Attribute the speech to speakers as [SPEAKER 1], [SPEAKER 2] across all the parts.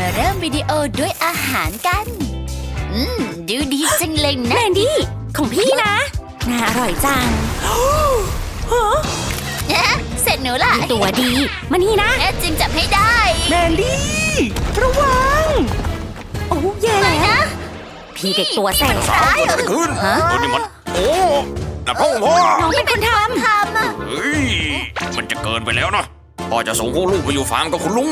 [SPEAKER 1] เริ่มวิดีโอด้วยอาหารกัน ดูดีจังเลยนะ
[SPEAKER 2] แมนดี้ของพี่นะน่าอร่อยจัง
[SPEAKER 1] เสร็จหนูล่ะ
[SPEAKER 2] ตัวดีมานี่นะ
[SPEAKER 1] แม่จึงจับให้ได้
[SPEAKER 2] แมนดี้ระวังโอ้แย่
[SPEAKER 1] ไม่
[SPEAKER 2] แล้ว
[SPEAKER 1] นะ
[SPEAKER 2] พี่เด็กตัวแสบ
[SPEAKER 3] สาวเกิดอะไรขึ้นนี่มันโอ้แต่พ่อ
[SPEAKER 2] น้องเป็นคนท
[SPEAKER 1] ทำอะ
[SPEAKER 3] เฮ้ยมันจะเกินไปแล้วนะพ่อจะส่งพวกลูกไปอยู่ฟาร์มกับคุณลุง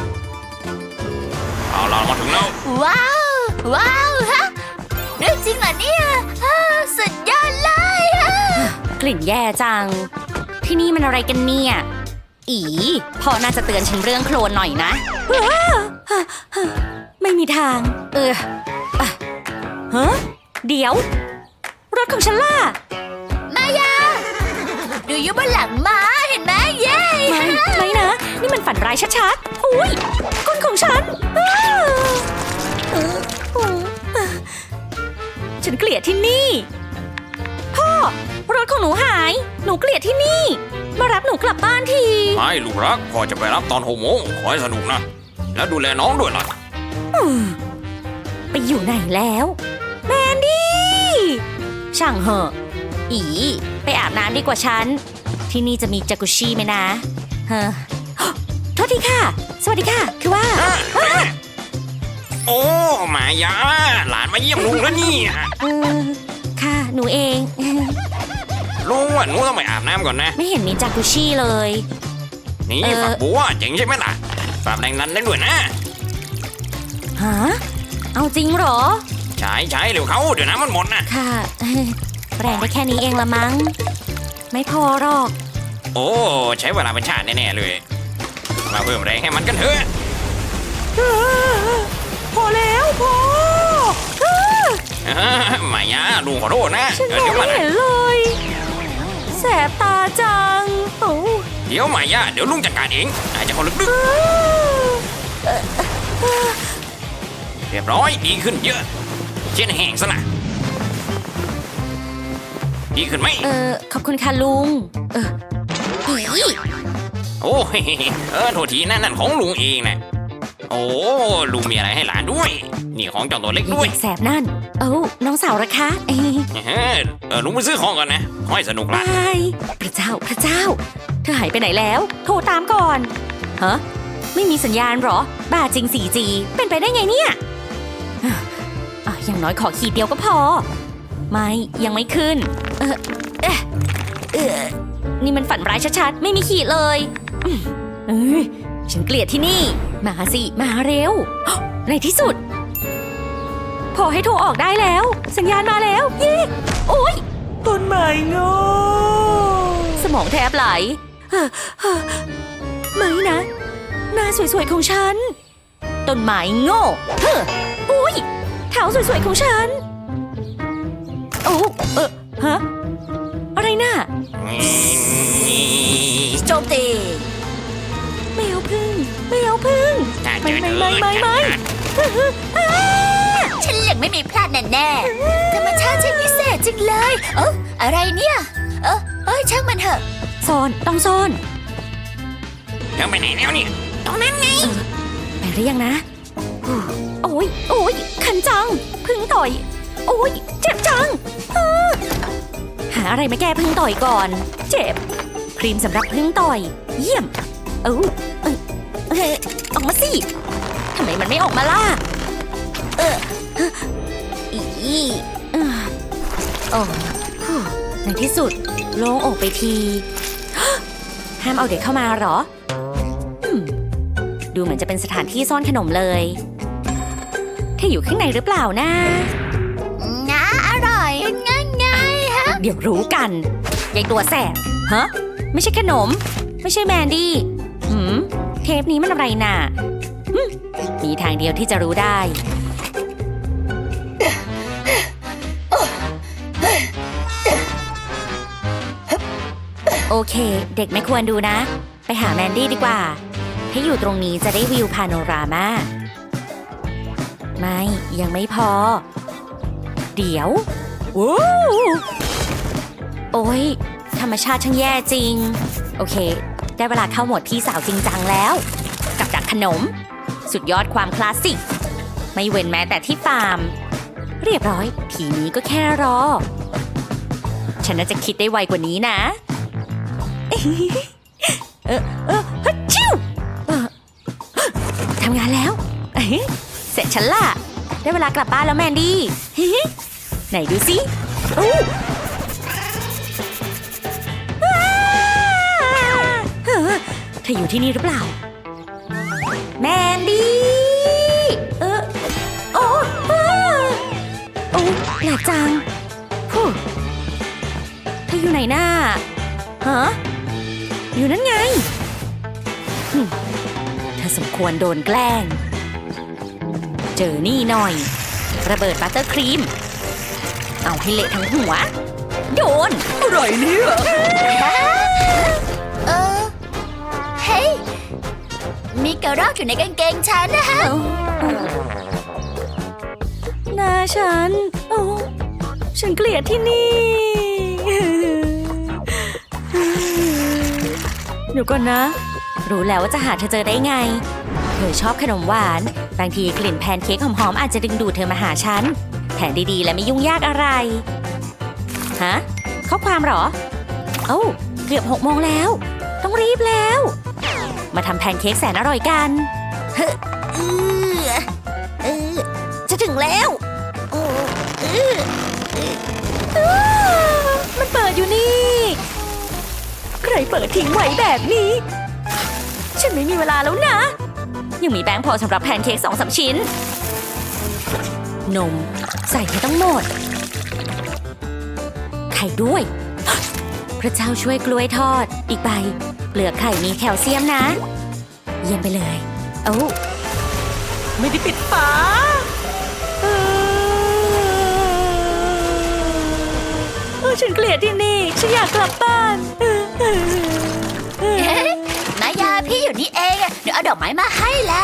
[SPEAKER 3] เอาล่ะมาถึงแล้ว
[SPEAKER 1] ว้าวว้าวฮะเรื่องจริงเหรอเนี่ยสุดยอดเลยฮะ
[SPEAKER 2] ำกลิ่นแย่จัง ที่นี่มันอะไรกันเนี่ยอีพ่อน่าจะเตือนฉันเรื่องโคลนหน่อยนะไม่มีทางฮะเดี๋ยวรถของฉันล่ะ
[SPEAKER 1] มายา ดูอยู่บนหลังม้าเห็นไหมเย้
[SPEAKER 2] ไม่นะ นี่มันฝันร้ายชัดๆอุ้ยก้นของฉันฉันเกลียดที่นี่พ่อรถของหนูหายหนูเกลียดที่นี่มารับหนูกลับบ้านที
[SPEAKER 3] ไม่ลูกรักพ่อจะไปรับตอน6 โมงขอให้สนุกนะแล้วดูแลน้องด้วยล่ะ
[SPEAKER 2] ไปอยู่ไหนแล้วแมนดี้ช่างเหอะอีไปอาบน้ำดีกว่าฉันที่นี่จะมีจากุชิไหมนะเฮ้อโทษทีค่ะสวัสดีค่ะคือว่า
[SPEAKER 3] โอ้หมายาหลานมาเยี่ยมลุงแล้วนี่
[SPEAKER 2] ค่ะหนูเอง
[SPEAKER 3] ลุงว่าหนูต้องไปอาบน้ำก่อนนะ
[SPEAKER 2] ไม่เห็นมีจากุชิเลย
[SPEAKER 3] นี่ฝักบัวเจ๋งใช่ไหมล่ะฝากแรงนั้นได้ด้วยนะ
[SPEAKER 2] ฮะเอาจริงเหรอ
[SPEAKER 3] ใช้เร็วเขาเดี๋ยวน้ำมันหมดนะ
[SPEAKER 2] ค่ะแรงได้แค่นี้เองละมั้งไม่พอหรอก
[SPEAKER 3] โอ้ใช้เวลาเป็นชาติแน่ๆเลยมาเพิ่มแรงให้มันกันเถอะ
[SPEAKER 2] พอแล้วพอ
[SPEAKER 3] หมายาลุงขอโทษนะ
[SPEAKER 2] ฉันม
[SPEAKER 3] เดี๋
[SPEAKER 2] อง
[SPEAKER 3] ยว
[SPEAKER 2] ไม่
[SPEAKER 3] มานะ
[SPEAKER 2] เห็นเลยแสบตาจังโอ้
[SPEAKER 3] เดี๋ยวหมายาเดี๋ยวลุงจัดการเองอาจจะขอลึกเรียบร้อยดีขึ้นเยอะเช่นแห้งซะนะดีขึ้นไหม
[SPEAKER 2] ขอบคุณค่ะลุงอี
[SPEAKER 3] โอ้โทษทีนั่นของลุงเองนะโอ้ลุงมีอะไรให้หลานด้วยนี่ของเจ้าตัวเล็กด้วย
[SPEAKER 2] เด็กแสบนั่นน้องสาวระคะ
[SPEAKER 3] ลุงไปซื้อของก่อนนะขอให้สนุกละ
[SPEAKER 2] บายพระเจ้าเธอหายไปไหนแล้วโทรตามก่อนฮะไม่มีสัญญาณเหรอบ้าจริง 4G เป็นไปได้ไงเนี่ยอย่างน้อยขอขีดเดียวก็พอไม่ยังไม่ขึ้นนี่มันฝันร้ายชัดๆไม่มีขีดเลยฉันเกลียดที่นี่มาสิมาเร็วในที่สุดพอให้โทรออกได้แล้วสัญญาณมาแล้วเย้โอ๊ยต้นไม้โง่สมองแทบไหลไม่นะหน้าสวยๆของฉันต้นไม้โง่อุ๊ยเท้าสวยๆของฉันโอ้ฮะอะไรน่ะโจมตีไม่เอาพึ่งไม่
[SPEAKER 1] ฉันยังไม่มีพลาดแน่ๆธรรมชาติช่างพิเศษจังเลยอะไรเนี่ยช่างมันเถอะ
[SPEAKER 2] ต้องซ่อน
[SPEAKER 3] แล้วไปไหนแล้วเนี่ย
[SPEAKER 1] ตรงนั้นไง
[SPEAKER 2] ไปหรือยังนะโอ้ยคันจังพึ่งต่อยโอ้ยเจ็บจังหาอะไรมาแก้พึ่งต่อยก่อนเจ็บครีมสำหรับพึ่งต่อยเยี่ยมออกมาสิทำไมมันไม่ออกมาล่ะในที่สุดโล่งอกไปทีห้ามเอาเด็กเข้ามาเหรอดูเหมือนจะเป็นสถานที่ซ่อนขนมเลยเธออยู่ข้างในหรือเปล่านะ
[SPEAKER 1] อร่อยง่ายฮะ
[SPEAKER 2] เดี๋ยวรู้กันยายตัวแสบฮะไม่ใช่ขนมไม่ใช่แมนดี้เทปนี้มันอะไรน่ะมีทางเดียวที่จะรู้ได้โอเคเด็กไม่ควรดูนะไปหาแมนดี้ดีกว่าให้อยู่ตรงนี้จะได้วิวพาโนรามาไม่ยังไม่พอเดี๋ยวโอ้ยธรรมชาติช่างแย่จริงโอเคได้เวลาเข้าโหมดพี่สาวจริงจังแล้วกับดักขนมสุดยอดความคลาสสิก ไม่เว้นแม้แต่ที่ฟาร์ม เรียบร้อย ทีนี้ก็แค่รอ ฉันน่าจะคิดได้ไวกว่านี้นะ ฮัดชิวทำงานแล้ว เสร็จฉันล่ะ ได้เวลากลับบ้านแล้วแมนดี้ ไหนดูสิโอ้เธออยู่ที่นี่หรือเปล่า แมนดี้โอ้แปลกจังฮู้เธออยู่ไหนน่าฮะอยู่นั่นไงเธอสมควรโดนแกล้ง เจอนี่หน่อย ระเบิดบัตเตอร์ครีม เอาให้เละทั้งหัว โดน
[SPEAKER 4] อะไรเนี่ย
[SPEAKER 1] เฮ้ย มีกระรอกอยู่ในกางเกงฉันนะฮะ
[SPEAKER 2] หน้าฉัน โอ้ฉันเกลียดที่นี่ เดี๋ยวก่อนนะ รู้แล้วว่าจะหาเธอเจอได้ไง เธอชอบขนมหวาน บางทีกลิ่นแพนเค้กหอมๆอาจจะดึงดูดเธอมาหาฉัน แผนดีๆและไม่ยุ่งยากอะไร ฮะ ข้อความเหรอ เอ้า เกือบ6 โมงแล้ว ต้องรีบแล้ว มาทำแพนเค้กแสนอร่อยกันจะถึงแล้วมันเปิดอยู่นี่ ใครเปิดทิ้งไว้แบบนี้ ฉันไม่มีเวลาแล้วนะ ยังมีแป้งพอสำหรับแพนเค้ก2-3 ชิ้น นมใส่ให้ต้องหมด ไข่ด้วย พระเจ้าช่วยกล้วยทอด อีกใบเปลือกไข่มีแคลเซียมนะ เยี่ยมไปเลย เอ้าไม่ได้ปิดฝาฉันเกลียดที่นี่ ฉันอยากกลับบ้าน
[SPEAKER 1] มายาพี่อยู่นี่เองอะเดี๋ยวเอาดอกไม้มาให้ละ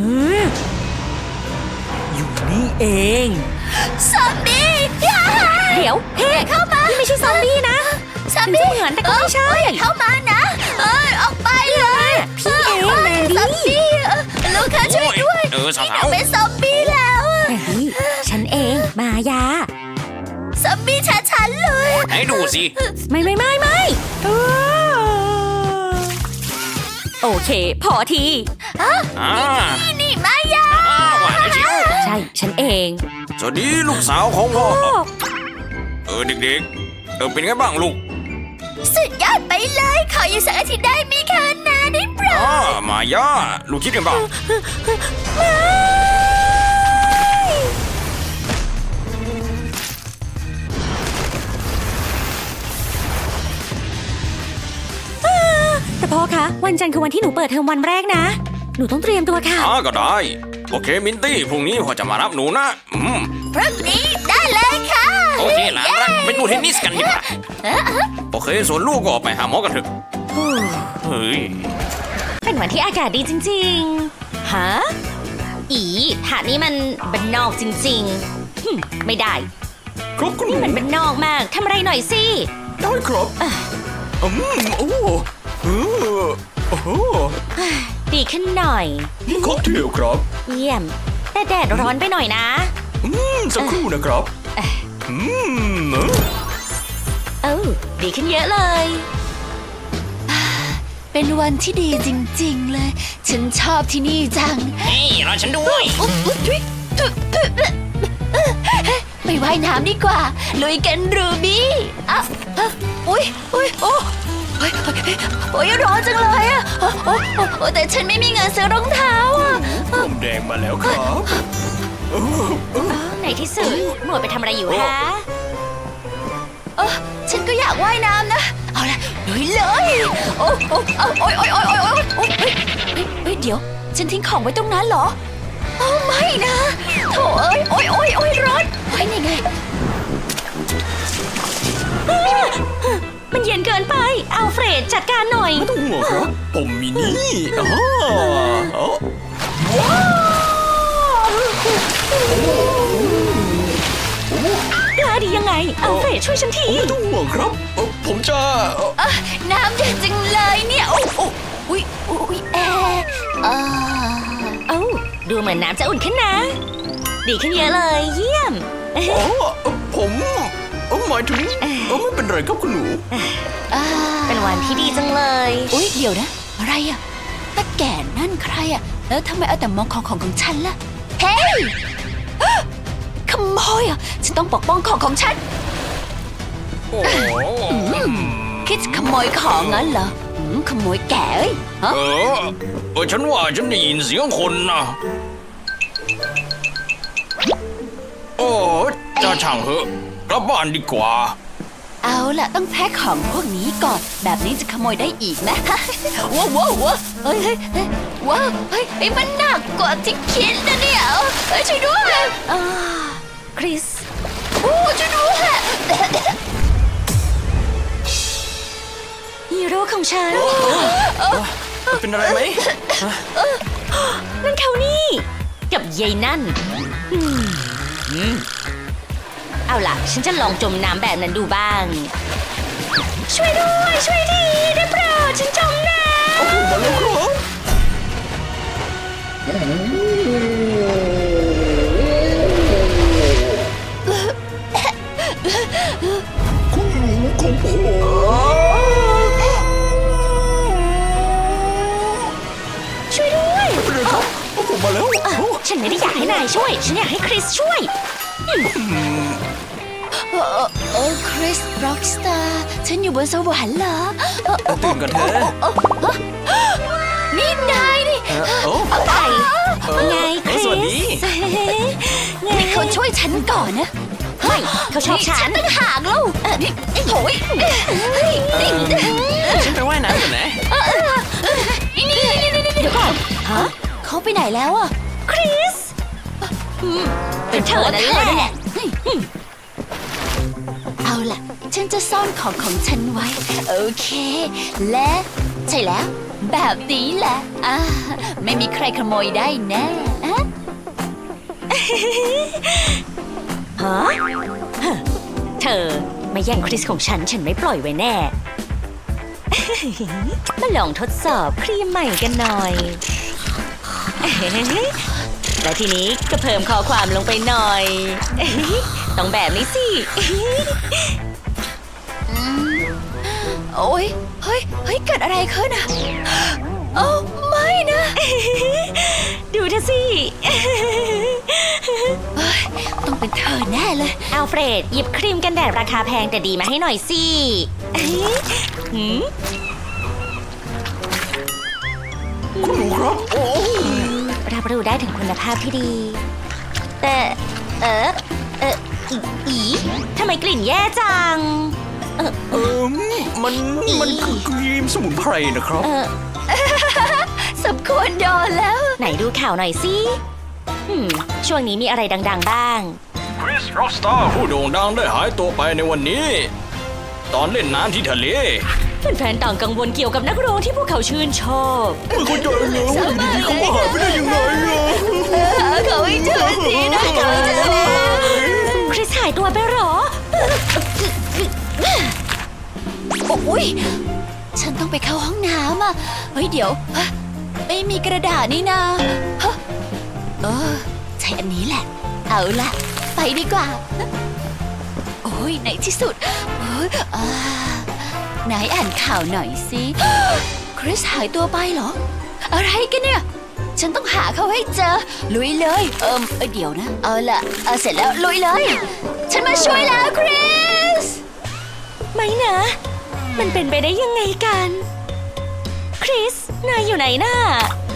[SPEAKER 4] อยู่นี่เอง
[SPEAKER 1] ซอมบี้
[SPEAKER 2] เดี๋ยวเฮ้เข้ามานี่ไม่ใช่ซอมบี้นะ
[SPEAKER 1] ซอมบี้
[SPEAKER 2] เหมือนแต่ก็ไม่ใช่
[SPEAKER 1] เข้ามานะออกไปเลย
[SPEAKER 2] พี่เองแมนดี้
[SPEAKER 1] ซอมบี้ลูกค้าช่วยด้วย
[SPEAKER 3] สาว
[SPEAKER 1] เป็นซอมบี้แล้ว
[SPEAKER 2] แมนดี้ฉันเองมายา
[SPEAKER 1] ซอมบี้ฉันเลย
[SPEAKER 3] ๆให้ดูสิ
[SPEAKER 2] ไม่โอเค พอที
[SPEAKER 3] นี่
[SPEAKER 1] มายา
[SPEAKER 3] หวานเชียว
[SPEAKER 2] ใช่ ฉันเอง
[SPEAKER 3] สวัสดีลูกสาวของพ่อ เด็กๆ เป็นไงบ้างลูก
[SPEAKER 1] สุดยอดไปเลยขออยู่สักอาทิตย์ได้มีคะนาได้โปรด
[SPEAKER 3] มายาลูกคิดกันบ้าง
[SPEAKER 2] แต่พ่อคะ วันจันทร์คือวันที่หนูเปิดเทอมวันแรกนะ หนูต้องเตรียมตัวค่ะ
[SPEAKER 3] ก็ได้ โอเคมินตี้พรุ่งนี้พ่อจะมารับหนูนะ
[SPEAKER 1] พรุ่งนี้ได้เลยค่ะ
[SPEAKER 3] โอเคหลานรักไปดูเทนนิสกันดีกว่าโอเคส่วนลูกก็ไปหาหมอกันเถอะเฮ้ย
[SPEAKER 2] เป็นวันที่อากาศดีจริงๆ ฮะ หาดนี้มันบ้านนอกจริงๆ ไม่ได้
[SPEAKER 4] ครับคุณ
[SPEAKER 2] นี่มันบ้านนอกมาก ทำอะไรหน่อยสิ
[SPEAKER 4] ได้ครับโอ้โอ้โห
[SPEAKER 2] ดีขึ้นหน่อย
[SPEAKER 4] ค็อกเทลครับ
[SPEAKER 2] เยี่ยม แต่แดดร้อนไปหน่อยนะ
[SPEAKER 4] สักครู่นะครับเนอะ
[SPEAKER 2] ดีขึ้นเยอะเลย
[SPEAKER 1] เป็นวันที่ดีจริงๆเลย ฉันชอบที่นี่จัง
[SPEAKER 3] รอฉันด้วย
[SPEAKER 1] ไปว่ายน้ำดีกว่า ลุยกันรูบี้อุ๊ยร้อนจังเลยอะแต่ฉันไม่มีเงินซื้อรองเท้าอะ
[SPEAKER 4] ผมแดงมาแล้วครับ
[SPEAKER 2] ในที่สุดหมวดไปทำอะไรอยู่คะ
[SPEAKER 1] ฉันก็อยากว่ายน้ำนะ เอาละลุยเลยเดี๋ยว ฉันทิ้งของไว้ตรงนั้นเหรอไม่นะโถร้อนนี่ไง
[SPEAKER 2] มันเย็นเกินไป อัลเฟรดจัดการหน่อย
[SPEAKER 4] ไม่ต้องห่วงครับ ผมมีนี่
[SPEAKER 2] กล้าดียังไง อัลเฟรดช่วยฉันที
[SPEAKER 4] ไม่ต้องห่วงครับ ผมจะ
[SPEAKER 1] น้ำเย็นจังเลยเนี่ยอุ๊ยแอร์
[SPEAKER 2] ดูเหมือนน้ำจะอุ่นขึ้นนะ ดีขึ้นเยอะเลย เยี่ยม
[SPEAKER 4] อ๋อผมหมายถึงไม่เป็นไรครับคุณหนู
[SPEAKER 2] เป็นวันที่ดีจังเลย
[SPEAKER 1] อุ๊ยเดี๋ยวนะ อะไรอะตาแก่นั่นใครอะแล้วทำไมเอาแต่มองของฉันล่ะ เฮ้ย ขโมยอะฉันต้องปกป้องของฉัน
[SPEAKER 3] โอ้โห
[SPEAKER 1] คิดจะขโมยของงั้นเหรอขโมยแก่เอ้ยฮะ
[SPEAKER 3] ฉันว่าฉันได้ยินเสียงคนนะโอ้จะช่างเหอะกลับบ้านดีกว่า
[SPEAKER 1] เอาล่ะต้องแพ็คของพวกนี้ก่อน แบบนี้จะขโมยได้อีกนะ ว้าวเฮ้ยว้าวเฮ้ยมันหนักกว่าที่คิดนะเนี่ยเฮ้ยช่วยด้วย
[SPEAKER 2] คริส
[SPEAKER 1] โอ้ช่วยด้วย
[SPEAKER 2] ฮีโร่ของฉัน
[SPEAKER 4] เป็นอะไรไหม
[SPEAKER 2] นั่นเขานี่ กับยายนั่นเอาล่ะ ฉันจะลองจมน้ำแบบนั้นดูบ้าง ช่วยด้วย ช่วยทีได้โปรดฉันจมน้ำ
[SPEAKER 4] มาแล้วครับ คุณหนูของผม
[SPEAKER 2] ช่วยด้วย
[SPEAKER 4] เป็นไรครับผมมาแล้ว
[SPEAKER 2] ฉันไม่ได้อยากให้นายช่วย ฉันอยากให้คริสช่วย
[SPEAKER 1] คริสร็อกสตาร์ฉันอยู่บนสวรรค์เหรอ
[SPEAKER 4] ตื่นกันเถอะ
[SPEAKER 1] นี่นายนี่
[SPEAKER 2] ไปไงคริส
[SPEAKER 4] สวัสดี
[SPEAKER 2] ไง
[SPEAKER 1] เขาช่วยฉันก่อนนะ
[SPEAKER 2] ไม่เขาชอบฉัน
[SPEAKER 1] ตั้งหากแล้วนี่โถยนี่
[SPEAKER 3] ฉันไปว่ายน้ำก่อนนะ
[SPEAKER 1] เดี๋ยวก่อนฮะเขาไปไหนแล้วอ่ะ
[SPEAKER 2] คริสเป็นเธอนั่นแหละ
[SPEAKER 1] เอาล่ะ ฉันจะซ่อนของฉันไว้ โอเค และใช่แล้ว แบบนี้แหละไม่มีใครขโมยได้แน่
[SPEAKER 2] ฮะเธอมาแย่งคริสของฉันไม่ปล่อยไว้แน่ มาลองทดสอบครีมใหม่กันหน่อย และทีนี้ก็เพิ่มข้อความลงไปหน่อย ต้องแบบนี้สิ
[SPEAKER 1] โอ้ยเฮ้ยเกิดอะไรขึ้นอ่ะโอ้ไม่นะ
[SPEAKER 2] ดูเธอสิ
[SPEAKER 1] ต้องเป็นเธอแน่เลย
[SPEAKER 2] อัลเฟรดหยิบครีมกันแดดราคาแพงแต่ดีมาให้หน่อยสิหืม
[SPEAKER 4] คุณหนูครับ
[SPEAKER 2] รับรู้ได้ถึงคุณภาพที่ดี แต่อีทำไมกลิ่นแย่จัง
[SPEAKER 4] มันคือครีมสมุนไพรนะครับ
[SPEAKER 1] สมควรโดนแล้ว
[SPEAKER 2] ไหนดูข่าวหน่อยสิช่วงนี้มีอะไรดังๆบ้าง
[SPEAKER 3] คริสร็อกสตาร์ผู้โด่งดังได้หายตัวไปในวันนี้ ตอนเล่นน้ำที่ทะเล
[SPEAKER 2] แฟนๆต่างกังวลเกี่ยวกับนักร้องที่พวกเขาชื่นชอบ
[SPEAKER 4] ไม่เข้าใจเลยว่าอยู่ดีๆเขามาหายไปได้ยังไงอะ
[SPEAKER 1] เขาไม่เจอสินะเขาไม่เจอแล้ว
[SPEAKER 2] คริสหายตัวไปเหรอ
[SPEAKER 1] โอ้ยฉันต้องไปเข้าห้องน้ำอ่ะเฮ้ยเดี๋ยวไม่มีกระดาษนี่นาใช้อันนี้แหละ เอาล่ะ ไปดีกว่า โอ้ยในที่สุดไหนอ่านข่าวหน่อยสิ คริสหายตัวไปเหรอ อะไรกันเนี่ย ฉันต้องหาเขาให้เจอ ลุยเลย เดี๋ยวนะ เอาล่ะเสร็จแล้วลุยเลย ฉันมาช่วยแล้วคริส
[SPEAKER 2] ไม่นะ มันเป็นไปได้ยังไงกัน คริส นายอยู่ไหนน่ะ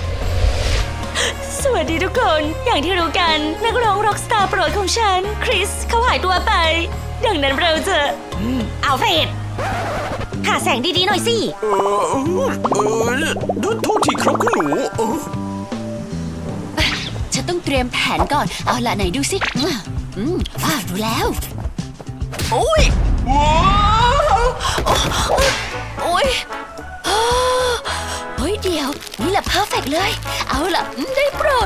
[SPEAKER 2] สวัสดีทุกคน อย่างที่รู้กัน นักร้องร็อกสตาร์โปรดของฉัน คริส เขาหายตัวไป ดังนั้นเราจะอัลเฟรดหาแสงดีๆหน่อยสิ
[SPEAKER 4] โทษทีครับคุณหนู
[SPEAKER 1] ฉันต้องเตรียมแผนก่อน เอาล่ะไหนดูสิดูแล้ว โอ้ย โอ้ยเฮ้ยเดี๋ยว นี่แหละเพอร์เฟกเลย เอาล่ะได้โปรด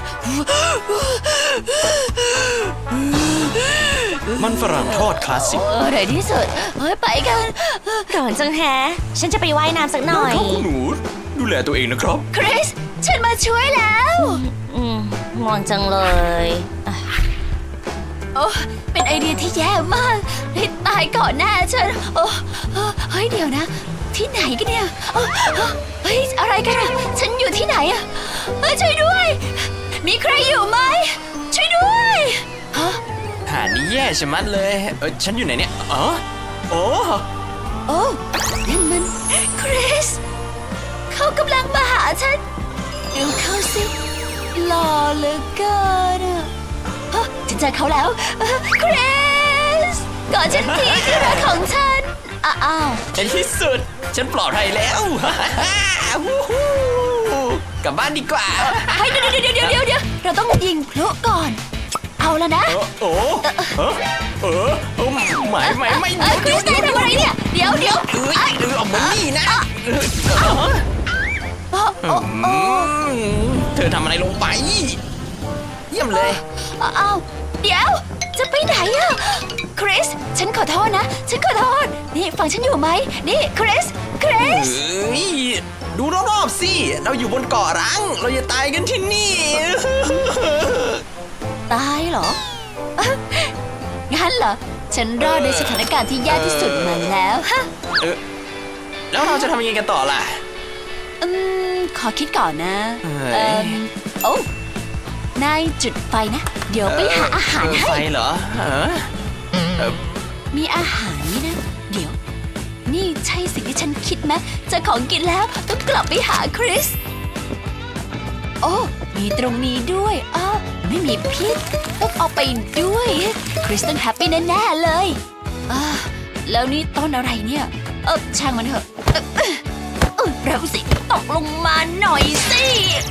[SPEAKER 4] มันฝรั่งทอดคลาสสิก
[SPEAKER 1] ในที่สุดไปกัน
[SPEAKER 2] ร้อนจังแฮะ ฉันจะไปว่ายน้ำสักหน่อย
[SPEAKER 4] ครับคุณหนู ดูแลตัวเองนะครับ
[SPEAKER 1] คริส ฉันมาช่วยแล้ว
[SPEAKER 2] อืมง่วงจังเลย
[SPEAKER 1] โอ้เป็นไอเดียที่แย่มากให้ตายก่อนหน้าฉันโอ้เฮ้ยเดี๋ยวนะ ที่ไหนกันเนี่ยเฮ้ยอะไรกันอะฉันอยู่ที่ไหนอะช่วยด้วย มีใครอยู่ไหมช่วยด้วยฮะ
[SPEAKER 4] หานี่แย่ชะมัดเลยฉันอยู่ไหนเนี่ยอ๋อโอ้
[SPEAKER 1] โอ้นั่นมันคริสเขากำลังมาหาฉันดูเขาสิหล่อเหลือเกินอะฉันเจอเขาแล้วคริสกอดฉันทีที่รักของฉันอ้าว
[SPEAKER 4] ในที่สุดฉันปลอดภัยแล้ว วู้ฮู้กลับบ้านดีกว่า
[SPEAKER 1] เฮ้ยเดี๋ยวเราต้องยิงพลุก่อน เอาแล้วนะ
[SPEAKER 4] ไม่
[SPEAKER 1] คริสนายทำอะไรเนี่ยเดี๋ยว
[SPEAKER 4] ออกมานี่นะเธอทำอะไรลงไป เยี่ยมเลย
[SPEAKER 1] อ้าวเดี๋ยวจะไปไหนอะคริสฉันขอโทษนะฉันขอโทษนี่ฟังฉันอยู่ไหมนี่คริส
[SPEAKER 4] ดูรอบๆสิเราอยู่บนเกาะร้างเราจะตายกันที่นี่
[SPEAKER 1] ตายเหรองั้นเหรอฉันรอดในสถานการณ์ที่แย่ที่สุดมาแล้วฮะ
[SPEAKER 4] แล้วเราจะทำยังไงกันต่อล่ะ
[SPEAKER 1] ขอคิดก่อนนะ โอ้นายจุดไฟนะเดี๋ยวไปหาอาหารให้
[SPEAKER 4] ไฟเหรอ
[SPEAKER 1] มีอาหารนี่นะเดี๋ยวนี่ใช่สิ่งที่ฉันคิดไหมเจะของกินแล้วต้องกลับไปหาคริสโอ้มีตรงนี้ด้วยไม่มีพิษต้องเอาไปด้วยคริสต้องแฮปปี้แน่ๆเลยแล้วนี่ต้นอะไรเนี่ยช่างมันเถอะเร็วสิตกลงมาหน่อยสิ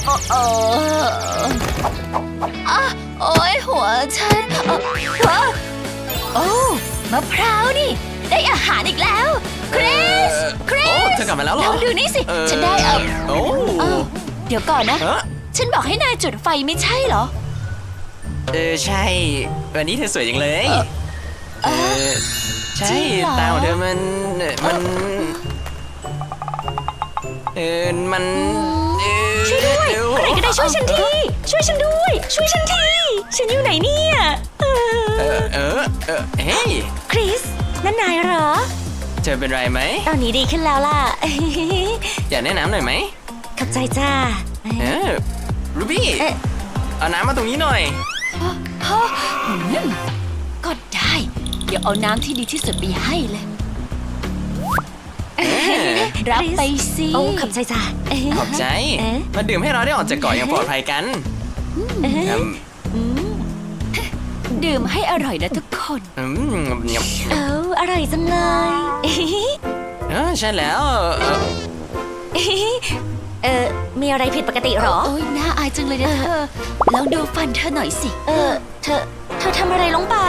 [SPEAKER 1] โอ้ยหัวฉันโอ้มะพร้าวนี่ได้อาหารอีกแล้วคริส
[SPEAKER 4] เธอกลับมาแล้วเหรอ
[SPEAKER 1] ลองดูนี่สิฉันได้เดี๋ยวก่อนนะฉันบอกให้นายจุดไฟไม่ใช่เหรอ
[SPEAKER 4] ใช่วันนี้เธอสวยจังเลยใช่
[SPEAKER 1] จริงเหรอ
[SPEAKER 4] ตาของเธอมัน
[SPEAKER 2] ช่วยด้วยใครก็ได้ช่วยฉันทีช่วยฉันด้วยช่วยฉันทีฉันอยู่ไหนเนี่ย
[SPEAKER 4] เฮ้ย
[SPEAKER 2] คริสนั่นนายเหรอ
[SPEAKER 4] เธอเป็นไรไหม
[SPEAKER 2] ตอนนี้ดีขึ้นแล้วล่ะ
[SPEAKER 4] อยากแนะนำหน่อยไหม
[SPEAKER 2] ขอบใจจ้า
[SPEAKER 4] รูบี้เอาน้ำมาตรงนี้หน่อย
[SPEAKER 1] ก็ได้เดี๋ยวเอาน้ำที่ดีที่สุดไปให้เลยรับไปสิ
[SPEAKER 2] โอ้ขอบใจจ้า
[SPEAKER 4] ขอบใจมาดื่มให้เราได้ออกจากเกาะอย่างปลอดภัยกัน
[SPEAKER 1] ดื่มให้อร่อยนะทุกคน
[SPEAKER 2] อร่อยจังเลย
[SPEAKER 4] ใช่แล้ว
[SPEAKER 2] มีอะไรผิดปกติหรอ
[SPEAKER 1] โอ้ยน่าอายจังเลยนะเธอลองดูฟันเธอหน่อยสิ
[SPEAKER 2] เธอทำอะไรลงไป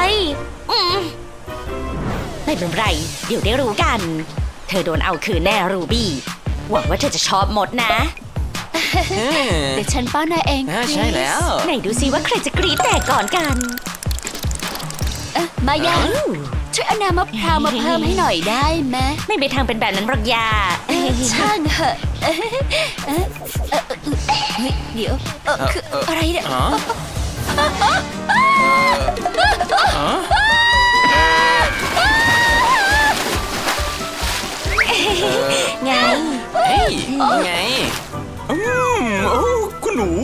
[SPEAKER 2] ไม่เป็นไรเดี๋ยวได้รู้กันเธอโดนเอาคืนแน่รูบี้หวังว่าเธอจะชอบหมดนะ
[SPEAKER 1] เดี๋ยวฉันป้อนนายเอง
[SPEAKER 4] ใช่แล้ว
[SPEAKER 2] ไหนดูซิว่าใครจะกรี๊ดแตกก่อนกัน
[SPEAKER 1] มายังช่วยเอาน้ำมะพร้าวมาเพิ่มให้หน่อยได้ไหม
[SPEAKER 2] ไม่มีทางเป็นแบบนั้นหรอกยา
[SPEAKER 1] ช่างเหอะเดี๋ยวคืออะไรเนี่ย
[SPEAKER 2] ไง
[SPEAKER 4] ไงคุณหนู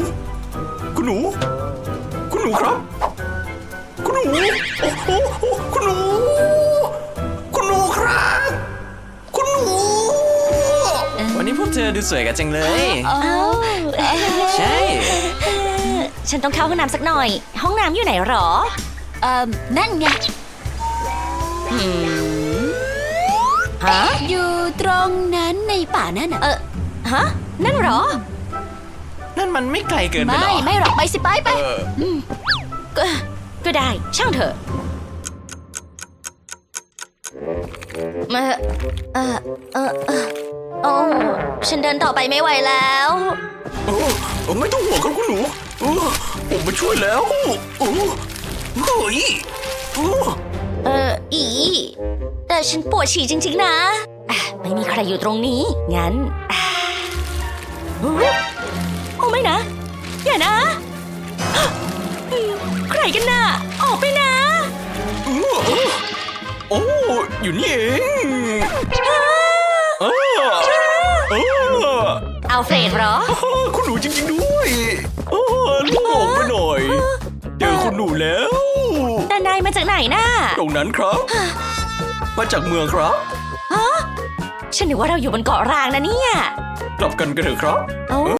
[SPEAKER 4] ครับคุณหนูคุณหนูครับคุณหนูวันนี้พวกเธอดูสวยกันจังเลยใช่
[SPEAKER 2] ฉันต้องเข้าห้องน้ำสักหน่อยห้องน้ำอยู่ไหนหรอ
[SPEAKER 1] นั่นไงอยู่ตรงนั้นในป่านั่น
[SPEAKER 2] นั่นหรอ
[SPEAKER 4] นั่นมันไม่ไกลเกินไปหรอ
[SPEAKER 1] ไม่หรอกไปสิไป
[SPEAKER 2] ก็ได้ช่างเถอะฉันเดินต่อไปไม่ไหวแล้ว
[SPEAKER 4] ไม่ต้องห่วงครับคุณหนูผมมาช่วยแล้ว
[SPEAKER 2] แต่ฉันปวดฉี่จริงๆนะไม่มีใครอยู่ตรงนี้งั้นโอ้ไม่นะอย่านะกันน่ะ ออกไปนะ
[SPEAKER 4] โอ้ อยู่นี่เองเออ
[SPEAKER 2] เอาเฟรดเหรอ
[SPEAKER 4] คุณหนูจริงๆด้วยลูกออกไปหน่อย เจอคุณหนูแล้ว
[SPEAKER 2] แต่นายมาจากไหนน่ะ
[SPEAKER 4] ตรงนั้นครับ มาจากเมืองครับ
[SPEAKER 2] ฉันนึกว่าเราอยู่บนเกาะร้างนะเนี่ย
[SPEAKER 4] กลับกันกันเถอะครับ
[SPEAKER 2] เอ้า